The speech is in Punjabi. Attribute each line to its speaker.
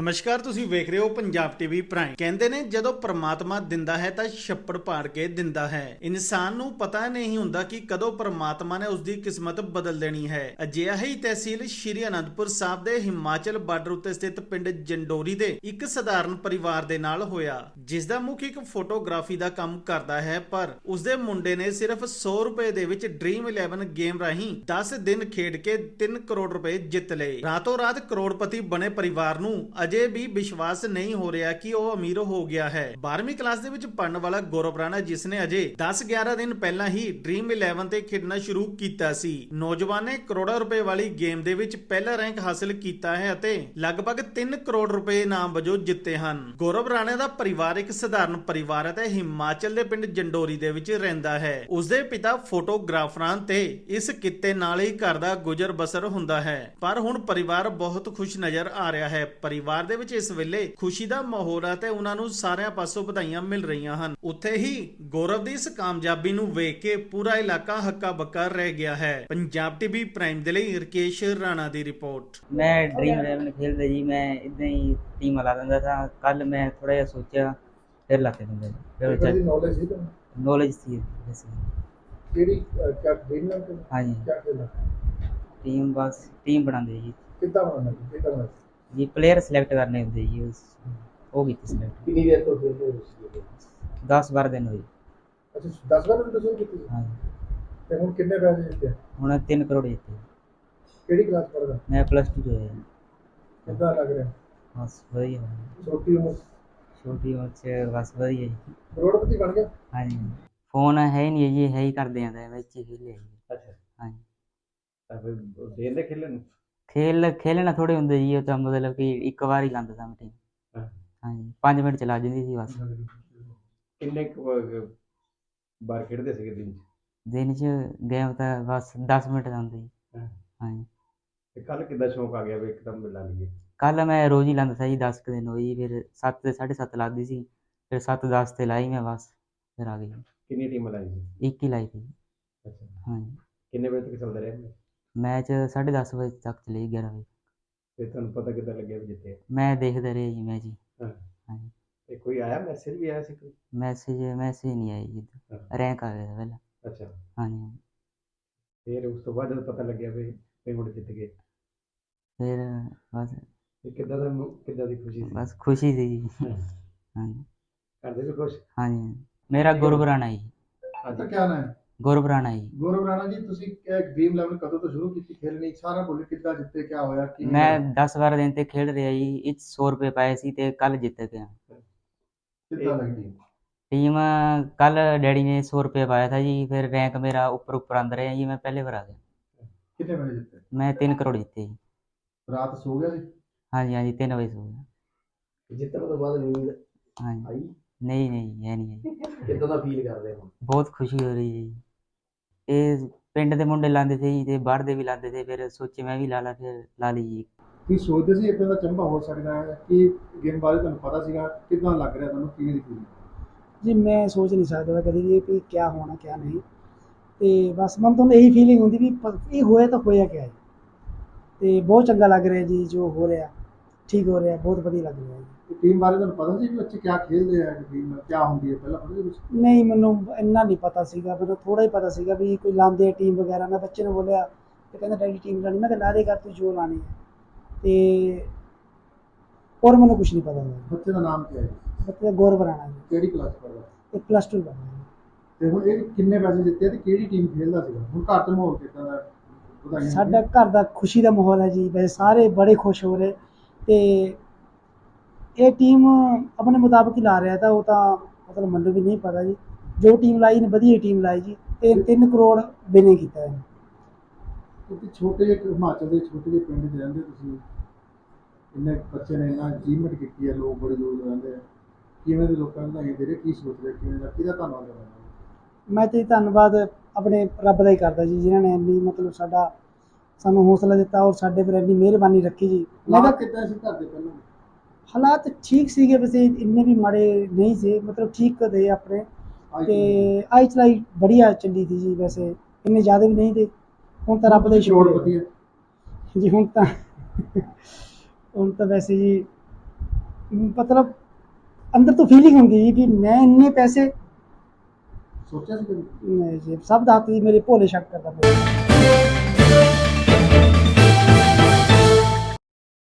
Speaker 1: ਨਮਸਕਾਰ, ਤੁਸੀਂ ਵੇਖ ਰਹੇ ਹੋ ਪੰਜਾਬ ਟੀਵੀ ਪ੍ਰਾਈਮ। ਕਹਿੰਦੇ ਨੇ ਜਦੋਂ ਪ੍ਰਮਾਤਮਾ ਦਿੰਦਾ ਹੈ ਤਾਂ ਛੱਪੜ ਪਾੜ ਕੇ ਦਿੰਦਾ ਹੈ। ਇਨਸਾਨ ਨੂੰ ਪਤਾ ਨਹੀਂ ਹੁੰਦਾ ਕਿ ਕਦੋਂ ਪ੍ਰਮਾਤਮਾ ਨੇ ਉਸਦੀ ਕਿਸਮਤ ਬਦਲ ਦੇਣੀ ਹੈ। ਅਜਿਹਾ ਹੀ ਤਹਿਸੀਲ ਸ਼੍ਰੀ ਅਨੰਦਪੁਰ ਸਾਹਿਬ ਦੇ ਹਿਮਾਚਲ ਬਾਰਡਰ ਉੱਤੇ ਸਥਿਤ ਪਿੰਡ ਜੰਡੋਰੀ ਦੇ ਇੱਕ ਸਧਾਰਨ ਪਰਿਵਾਰ ਦੇ ਨਾਲ ਹੋਇਆ, ਜਿਸ ਦਾ ਮੁੱਖ ਇੱਕ ਫੋਟੋਗ੍ਰਾਫੀ ਦਾ ਕੰਮ ਕਰਦਾ ਹੈ। ਪਰ ਉਸਦੇ ਮੁੰਡੇ ਨੇ ਸਿਰਫ 100 ਰੁਪਏ ਦੇ ਵਿੱਚ ਡ੍ਰੀਮ 11 ਗੇਮ ਰਾਹੀਂ 10 ਦਿਨ ਖੇਡ ਕੇ 3 ਕਰੋੜ ਰੁਪਏ ਜਿੱਤ ਲਏ। ਰਾਤੋਂ ਰਾਤ ਕਰੋੜਪਤੀ ਬਣੇ ਪਰਿਵਾਰ ਨੂੰ ਅਜੇ ਵੀ ਵਿਸ਼ਵਾਸ ਨਹੀਂ ਹੋ ਰਿਹਾ ਕਿ ਉਹ ਅਮੀਰ ਹੋ ਗਿਆ ਹੈ। 12ਵੀਂ ਕਲਾਸ ਦੇ ਵਿੱਚ ਪੜਨ ਵਾਲਾ ਗੌਰਵ ਰਾਣਾ, ਜਿਸ ਨੇ ਅਜੇ 10-11 ਦਿਨ ਪਹਿਲਾਂ ਹੀ ਡ੍ਰੀਮ 11 ਤੇ ਖੇਡਣਾ ਸ਼ੁਰੂ ਕੀਤਾ ਸੀ, ਨੌਜਵਾਨ ਨੇ ਕਰੋੜਾਂ ਰੁਪਏ ਵਾਲੀ ਗੇਮ ਦੇ ਵਿੱਚ ਪਹਿਲਾ ਰੈਂਕ ਹਾਸਲ ਕੀਤਾ ਹੈ ਅਤੇ ਲਗਭਗ 3 ਕਰੋੜ ਰੁਪਏ ਇਨਾਮ ਵਜੋਂ ਜਿੱਤੇ ਹਨ। ਗੌਰਵ ਰਾਣਾ ਦਾ ਪਰਿਵਾਰ ਇੱਕ ਸਧਾਰਨ ਪਰਿਵਾਰ ਹੈ ਤੇ ਹਿਮਾਚਲ ਦੇ ਪਿੰਡ ਜੰਡੋਰੀ ਦੇ ਵਿੱਚ ਰਹਿੰਦਾ ਹੈ। ਉਸਦੇ ਪਿਤਾ ਫੋਟੋਗ੍ਰਾਫਰਾਂ ਤੇ ਇਸ ਕਿੱਤੇ ਨਾਲ ਹੀ ਘਰ ਦਾ ਗੁਜ਼ਰ ਬਸਰ ਹੁੰਦਾ ਹੈ। ਪਰ ਹੁਣ ਪਰਿਵਾਰ ਬਹੁਤ ਖੁਸ਼ ਨਜ਼ਰ ਆ ਰਿਹਾ ਹੈ। ਪਰਿਵਾਰ ਦੇ ਵਿੱਚ ਇਸ ਵੇਲੇ ਖੁਸ਼ੀ ਦਾ ਮਾਹੌਲ ਹੈ ਤੇ ਉਹਨਾਂ ਨੂੰ ਸਾਰਿਆਂ ਪਾਸੋਂ ਵਧਾਈਆਂ ਮਿਲ ਰਹੀਆਂ ਹਨ। ਉੱਥੇ ਹੀ ਗੌਰਵ ਦੀ ਇਸ ਕਾਮਯਾਬੀ ਨੂੰ ਵੇਖ ਕੇ ਪੂਰਾ ਇਲਾਕਾ ਹੱਕਾ ਬੱਕਾ ਰਹਿ ਗਿਆ ਹੈ। ਪੰਜਾਬ ਟੀਵੀ ਪ੍ਰਾਈਮ ਦੇ ਲਈ ਰਕੇਸ਼ ਰਾਣਾ ਦੀ ਰਿਪੋर्ट।
Speaker 2: मैं ड्रीम 11 खेलते जी, मैं इतना ही टीम ला दिंदा था। कल मैं थोड़ा जिहा सोचा फिर लाते दिंदा जी,
Speaker 3: नॉलेज है तो
Speaker 2: नॉलेज थी वैसे।
Speaker 3: केड़ी क्या ड्रीम नाम के
Speaker 2: हाँ जी,
Speaker 3: क्या खेलना
Speaker 2: टीम बस टीम बनाते जी
Speaker 3: कितना बनाना
Speaker 2: जी प्लेयर सिलेक्ट करने होंगे जी, वो भी सिलेक्ट
Speaker 3: कितनी देर तो खेलते हो
Speaker 2: 10-12 दिन हुए।
Speaker 3: अच्छा 10 बार तो शुरू की
Speaker 2: हाँ
Speaker 3: ते हुन कितने पैसे जीते
Speaker 2: हूँ 3 करोड़ जीते।
Speaker 3: केड़ी क्लास पढ़दा
Speaker 2: मैं +2 जो है
Speaker 3: कितना लग रहा
Speaker 2: बस वही है,
Speaker 3: छोटी उम्र
Speaker 2: छोटी उम्र से बस वही है।
Speaker 3: करोड़पति बन गया।
Speaker 2: हाँ जी, फोन है ही नहीं जी, है ही कर दें बच्चे खेले।
Speaker 3: अच्छा
Speaker 2: हाँ जी,
Speaker 3: ਤਾਂ ਫਿਰ ਦੇਂਦੇ ਖੇਲਣ ਨੂੰ
Speaker 2: खेलना थोड़े होंगे जी, तो मतलब कि एक बार ही लाता था मैं टीम।
Speaker 3: हाँ।
Speaker 2: हाँ जी, 5 मिनट चला जाती थी बस।
Speaker 3: ਕਿੰਨੇ ਬਾਰ ਖੇਡਦੇ ਸੀਗੇ ਦਿਨ ਚ
Speaker 2: दिन च गेम तो बस 10 मिनट लाते जी।
Speaker 3: हाँ।
Speaker 2: हाँ जी,
Speaker 3: ਤੇ ਕੱਲ ਕਿੱਦਾਂ ਸ਼ੌਂਕ ਆ ਗਿਆ ਵੀ ਇੱਕਦਮ ਮਿਲਾ ਲਈਏ
Speaker 2: कल मैं रोज ही लाता था जी, 10 दिन हुई, फिर 7 से 7:30 लाती सी, फिर 7-10 से लाई मैं बस, फिर आ गई।
Speaker 3: ਕਿੰਨੀ ਟੀਮ ਲਾਈ ਸੀ
Speaker 2: 1 ही लाई थी।
Speaker 3: ਅੱਛਾ
Speaker 2: हाँ जी,
Speaker 3: ਕਿੰਨੇ ਵਜੇ ਤੱਕ ਚੱਲਦਾ ਰਿਹਾ
Speaker 2: मैच 10:30 बजे तक चले 11 बजे।
Speaker 3: ਤੇ ਤੁਹਾਨੂੰ ਪਤਾ ਕਿੱਦਾਂ ਲੱਗਿਆ ਵੀ ਜਿੱਤੇ
Speaker 2: मैं देखते रहे जी मैच ही।
Speaker 3: ਹਾਂ
Speaker 2: हाँ जी,
Speaker 3: ਤੇ ਕੋਈ ਆਇਆ ਮੈਸੇਜ ਵੀ ਆਇਆ ਸੀ ਕੋਈ
Speaker 2: मैसेज नहीं आई जी,
Speaker 3: हाँ।
Speaker 2: रैंक आ गया था पहले।
Speaker 3: ਅੱਛਾ
Speaker 2: हाँ जी,
Speaker 3: ਫਿਰ ਉਸ ਤੋਂ ਬਾਅਦ ਜਦੋਂ ਪਤਾ ਲੱਗਿਆ ਵੀ ਹੁਣ ਜਿੱਤ ਗਏ
Speaker 2: फिर बस
Speaker 3: ਤੇ ਕਿੱਦਾਂ ਦੀ ਖੁਸ਼ੀ ਸੀ
Speaker 2: बस खुशी थी जी।
Speaker 3: ਹਾਂ।
Speaker 2: हाँ जी,
Speaker 3: ਘਰ ਦੇ ਵੀ ਖੁਸ਼
Speaker 2: हाँ जी, मेरा गौरव राणा जी।
Speaker 3: आपका क्या नाम है
Speaker 2: गौरव राणा जी।
Speaker 3: गौरव राणा जी ਤੁਸੀਂ ਡ੍ਰੀਮ 11 ਕਦੋਂ ਤੋਂ ਸ਼ੁਰੂ ਕੀਤੀ ਖੇਲਣੀ ਸਾਰਾ ਬੋਲੇ ਕਿੱਦਾਂ ਜਿੱਤੇ ਕੀ ਹੋਇਆ ਕੀ
Speaker 2: मैं 10-12 दिन तक खेल रहा जी, 100 रुपये पाए सी ते कल जित गया
Speaker 3: ਕਿੱਦਾਂ ਲੱਗਦੀ
Speaker 2: टीम। कल डैडी ने 100 रुपये पाया था जी, फिर रैंक मेरा ऊपर आंदा रहा जी, मैं पहले बार आ गया।
Speaker 3: ਕਿੰਨੇ ਵਜੇ ਜਿੱਤੇ
Speaker 2: मैं 3 करोड़ जीते जी।
Speaker 3: ਰਾਤ ਸੋ ਗਿਆ ਸੀ
Speaker 2: हाँ जी, हाँ जी, 3 बजे सो गया।
Speaker 3: ਜਿੱਤਣ ਤੋਂ ਬਾਅਦ ਨੀਂਦ
Speaker 2: हाँ जी,
Speaker 3: ਆਈ
Speaker 2: नहीं है नहीं आई।
Speaker 3: ਕਿੱਦਾਂ ਦਾ ਫੀਲ ਕਰਦੇ ਹੋ
Speaker 2: बहुत खुशी हो रही है जी। ये पिंड के मुंडे लाते थे जी, ते बाहर दे भी लाते थे, फिर सोचे मैं भी ला ला, फिर ला ली जी।
Speaker 3: ਕੀ ਸੋਚਦੇ ਸੀ ਇਦਾਂ ਦਾ ਚੰਬਾ ਹੋ ਸਕਦਾ ਹੈ ਕਿ ਗੇਮ ਬਾਰੇ ਤੁਹਾਨੂੰ ਪਤਾ ਸੀਗਾ ਕਿੱਦਾਂ ਲੱਗ ਰਿਹਾ ਤੁਹਾਨੂੰ ਕਿਵੇਂ ਦੀ ਫੀਲ
Speaker 4: ਜੀ ਮੈਂ ਸੋਚ ਨਹੀਂ ਸਕਦਾ ਕਦੀ ਵੀ ਕਿ ਕਿਆ ਹੋਣਾ ਕਿਆ ਨਹੀਂ, ਤੇ ਬਸ ਮਨ ਤੋਂ ਇਹੀ ਫੀਲਿੰਗ ਹੁੰਦੀ ਵੀ ਇਹ ਹੋਇਆ ਤਾਂ ਹੋਇਆ ਕਿਆ ਹੈ, ਤੇ ਬਹੁਤ ਚੰਗਾ ਲੱਗ ਰਿਹਾ ਜੀ ਜੋ ਹੋ ਰਿਹਾ, ਠੀਕ ਹੋ ਰਿਹਾ, ਬਹੁਤ ਵਧੀਆ ਲੱਗ ਰਿਹਾ ਜੀ।
Speaker 3: ਟੀਮ ਬਾਰੇ ਤੁਹਾਨੂੰ ਪਤਾ ਸੀ ਵੀ ਬੱਚੇ ਕੀ ਖੇਡਦੇ ਆ ਟੀਮ ਕੀ ਹੁੰਦੀ ਹੈ ਪਹਿਲਾਂ ਪਤਾ ਸੀ ਕੁਛ
Speaker 4: ਨਹੀਂ ਮੈਨੂੰ ਇੰਨਾ ਨਹੀਂ ਪਤਾ ਸੀਗਾ, ਮੈਨੂੰ ਥੋੜਾ ਹੀ ਪਤਾ ਸੀਗਾ ਵੀ ਕੋਈ ਲਾਉਂਦੇ ਟੀਮ ਵਗੈਰਾ। ਮੈਂ ਬੱਚੇ ਨੂੰ ਬੋਲਿਆ ਤੇ ਕਹਿੰਦਾ ਡੈਡੀ ਟੀਮ ਲਾਣੀ, ਮੈਂ ਕਿਹਾ ਲਾ ਦੇ ਕਰ ਤੂੰ ਜੋ ਲਾਣੀ ਹੈ, ਤੇ ਹੋਰ ਮੈਨੂੰ ਕੁਛ ਨਹੀਂ ਪਤਾ ਸੀ।
Speaker 3: ਬੱਚੇ ਦਾ ਨਾਮ ਕੀ ਹੈ
Speaker 4: ਬੱਚੇ ਦਾ ਗੌਰਵ ਰਾਣਾ ਜੀ,
Speaker 3: ਕਿਹੜੀ ਕਲਾਸ ਪੜ੍ਹਦਾ
Speaker 4: ਇਹ +2 ਪੜ੍ਹਦਾ
Speaker 3: ਤੇ ਹੁਣ ਇਹ ਕਿੰਨੇ ਪੈਸੇ ਜਿੱਤੇ ਤੇ ਕਿਹੜੀ ਟੀਮ ਖੇਡਦਾ ਸੀਗਾ ਹੁਣ ਘਰ ਤੇ ਮਾਹੌਲ ਕਿੱਦਾਂ ਦਾ ਵਧਾਈਆਂ
Speaker 4: ਸਾਡਾ ਘਰ ਦਾ ਖੁਸ਼ੀ ਦਾ ਮਾਹੌਲ ਹੈ ਜੀ, ਵੈਸੇ ਸਾਰੇ ਬੜੇ ਖੁਸ਼ ਹੋ ਰਹੇ, ਤੇ ਇਹ ਟੀਮ ਆਪਣੇ ਮੁਤਾਬਕ ਹੀ ਲਾ ਰਿਹਾ ਤਾਂ ਉਹ ਤਾਂ ਮਤਲਬ ਮੈਨੂੰ ਵੀ ਨਹੀਂ ਪਤਾ ਜੀ, ਜੋ ਟੀਮ ਲਾਈ ਨੇ ਵਧੀਆ ਟੀਮ ਲਾਈ ਜੀ, ਤੇ 3 ਕਰੋੜ ਵਿਨਿੰਗ ਕੀਤਾ ਹੈ।
Speaker 3: ਕਿਉਂਕਿ ਛੋਟੇ ਜਿਹੇ ਹਿਮਾਚਲ ਦੇ ਛੋਟੇ ਜਿਹੇ ਪਿੰਡ 'ਚ ਰਹਿੰਦੇ ਤੁਸੀਂ ਇੰਨੇ ਬੱਚੇ ਨੇ ਇੰਨਾ ਅਚੀਵਮੈਂਟ ਕੀਤੀ ਹੈ, ਲੋਕ ਬੜੇ ਦੂਰ ਰਹਿੰਦੇ ਆ ਕਿਵੇਂ ਦੇ ਲੋਕਾਂ ਨੂੰ ਵਧਾਈਆਂ ਦੇ ਰਹੇ ਕੀ ਸੋਚਦੇ ਕਿਵੇਂ ਦਾ ਕਿਹਦਾ ਧੰਨਵਾਦ ਕਰਨਾ
Speaker 4: ਮੈਂ ਤੇ ਧੰਨਵਾਦ ਆਪਣੇ ਰੱਬ ਦਾ ਹੀ ਕਰਦਾ ਜੀ, ਜਿਨ੍ਹਾਂ ਨੇ ਇੰਨੀ ਮਤਲਬ ਸਾਨੂੰ ਹੌਸਲਾ ਦਿੱਤਾ ਔਰ ਸਾਡੇ ਪਰ ਇੰਨੀ ਮਿਹਰਬਾਨੀ ਰੱਖੀ ਜੀ। ਮੈਂ ਤਾਂ
Speaker 3: ਕਿੱਦਾਂ ਸੀ ਘਰ ਦੇ ਪਹਿਲਾਂ
Speaker 4: ਹਾਲਾਤ ਠੀਕ ਸੀਗੇ, ਵੈਸੇ ਇੰਨੇ ਵੀ ਮਾੜੇ ਨਹੀਂ ਸੀ, ਮਤਲਬ ਠੀਕ ਦੇ ਆਪਣੇ, ਤੇ ਆਈ ਚਲਾਈ ਬੜੀਆ ਚੱਲੀ ਸੀ ਜੀ, ਵੈਸੇ ਇੰਨੇ ਜ਼ਿਆਦਾ ਵੀ ਨਹੀਂ ਤੇ ਹੁਣ ਤਾਂ ਰੱਬ ਦਾ ਹੀ ਸ਼ੁਕਰ ਹੈ ਜੀ। ਹੁਣ ਤਾਂ ਵੈਸੇ ਜੀ ਮਤਲਬ ਅੰਦਰ ਤੋਂ ਫੀਲਿੰਗ ਹੁੰਦੀ ਸੀ ਵੀ ਮੈਂ ਇੰਨੇ ਪੈਸੇ
Speaker 3: ਸੋਚਿਆ ਸੀ ਕਦੇ?
Speaker 4: ਨਹੀਂ ਜੀ, ਸਭ ਦਾ ਹੱਥ ਜੀ ਮੇਰੇ ਭੋਲੇ ਸ਼ੰਕਰ ਦਾ।